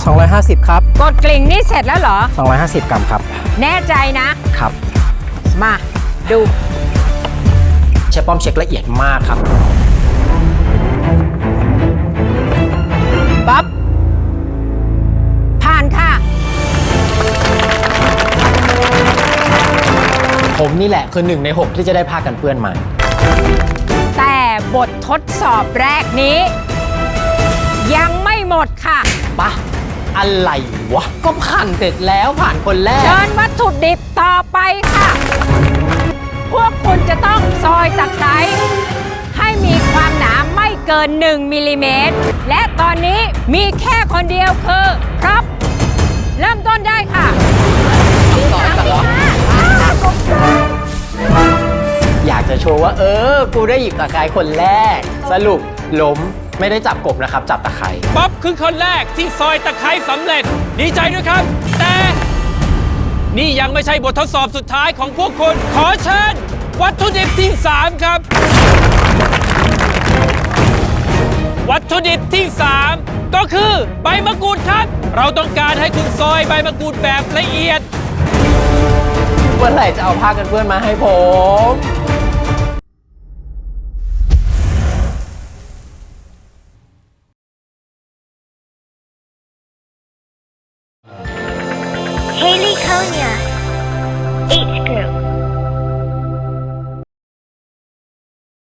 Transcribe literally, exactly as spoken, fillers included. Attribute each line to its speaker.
Speaker 1: สองร้อยห้าสิบครับ
Speaker 2: กดกลิ่งนี่เสร็จแล้วเหรอ
Speaker 1: สองร้อยห้าสิบกรัมครับ
Speaker 2: แน่ใจนะครับมาดู
Speaker 1: เชฟป้อมเช็คละเอียดมากครับ
Speaker 2: ป๊อปผ่านค่ะ
Speaker 1: ผมนี่แหละคือหนึ่งในหกที่จะได้ผ้ากันเปื้อนมา
Speaker 2: แต่บททดสอบแรกนี้ยังไม่หมดค่ะ
Speaker 1: ปะอะไรวะก็ผ่านเสร็จแล้วผ่านคนแรก
Speaker 2: เชิญวัตถุดิบต่อไปค่ะพวกคุณจะต้องซอยตะไคร้ให้มีความหนาไม่เกินหนึ่งมิลลิเมตรและตอนนี้มีแค่คนเดียวคือครับเริ่มต้นได้ค่ะ
Speaker 1: ต่อกันเหรออยากจะโชว์ว่าเออกูได้หยิบตะไคร้คนแรกสรุปล้มไม่ได้จับกบนะครับจับตะไคร้
Speaker 3: ป๊อปคือคนแรกที่ซอยตะไคร้สำเร็จดีใจด้วยครับแต่นี่ยังไม่ใช่บททดสอบสุดท้ายของพวกคุณขอเชิญวัตถุดิบที่สามครับวัตถุดิบที่สามก็คือใบมะกรูดครับเราต้องการให้คุณซอยใบมะกรูดแบบละเอียด
Speaker 1: เมื่อไหร่จะเอาผ้ากันเปื้อนมาให้ผม
Speaker 4: Haley Konya